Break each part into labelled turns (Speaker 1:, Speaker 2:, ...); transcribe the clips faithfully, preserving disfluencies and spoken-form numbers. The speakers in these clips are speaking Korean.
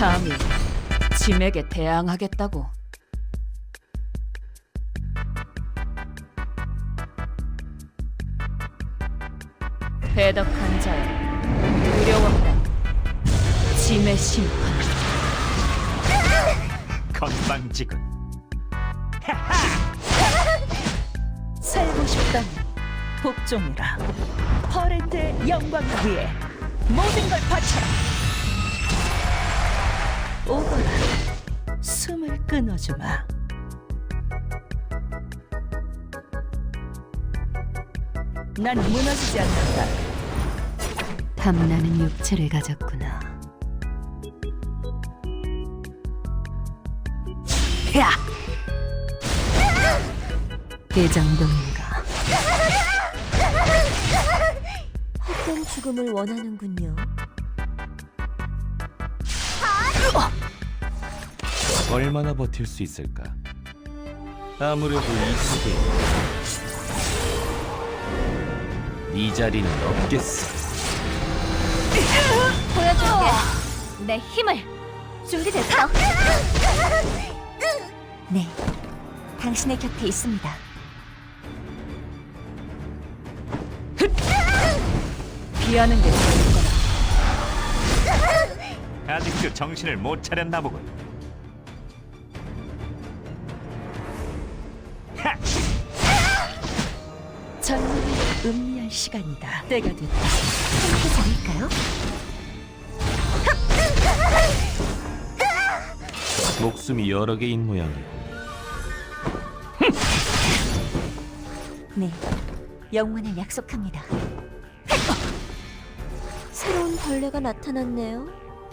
Speaker 1: 감히 짐에게 대항하겠다고. 배덕한 자여, 두려워하라. 짐의 심판.
Speaker 2: 건방지군.
Speaker 3: 살고 싶다니 복종이라. 퍼랜드의 영광을 위해 모든 걸 바쳐라. 오거라, 숨을 끊어주마. 난 무너지지 않는다.
Speaker 4: 탐나는 육체를 가졌구나. 야! 이 정도인가?
Speaker 5: 헛된 죽음을 원하는군요.
Speaker 2: 얼마나 버틸 수 있을까? 아무래도 이 세계에 이 자리는 없겠어.
Speaker 5: 보여줄게. 내 힘을. 준비됐어? 네, 당신의 곁에 있습니다.
Speaker 1: 피하는 게 좋을 거라.
Speaker 2: 아직도 정신을 못 차렸나 보군. 하!
Speaker 3: 전문을 음미할 시간이다. 때가 됐다.
Speaker 5: 함께 자릴까요?
Speaker 2: 목숨이 여러 개인 모양이고.
Speaker 5: 네, 영원을 약속합니다. 새로운 벌레가 나타났네요.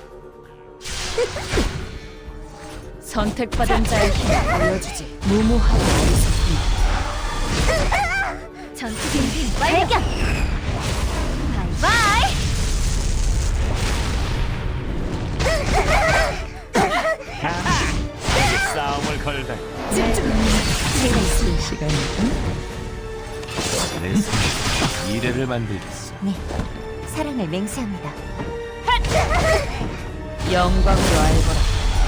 Speaker 1: 선택받은 자의 힘을 보여주지. 무모하고 어리석구나.
Speaker 5: 전투 준비 발견! 바이바이!
Speaker 2: 싸움을 걸다
Speaker 5: 집중! 제가 있습니다.
Speaker 3: 시간이다.
Speaker 2: 내 손에 미래를 만들겠어.
Speaker 5: 네, 사랑을 맹세합니다.
Speaker 1: 영광으로 알거라.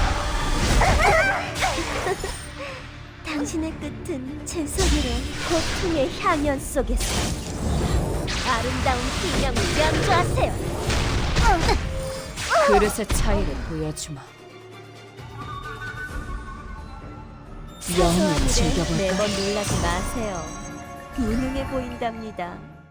Speaker 5: 당신의 끝은 제 손으로 고통의 향연 속에서 아름다운 기념을 연주하세요.
Speaker 1: 그릇의 차이를 보여주마. 영을
Speaker 5: 사소한 일에
Speaker 1: 즐겨볼까?
Speaker 5: 매번 놀라지 마세요. 무능해 보인답니다.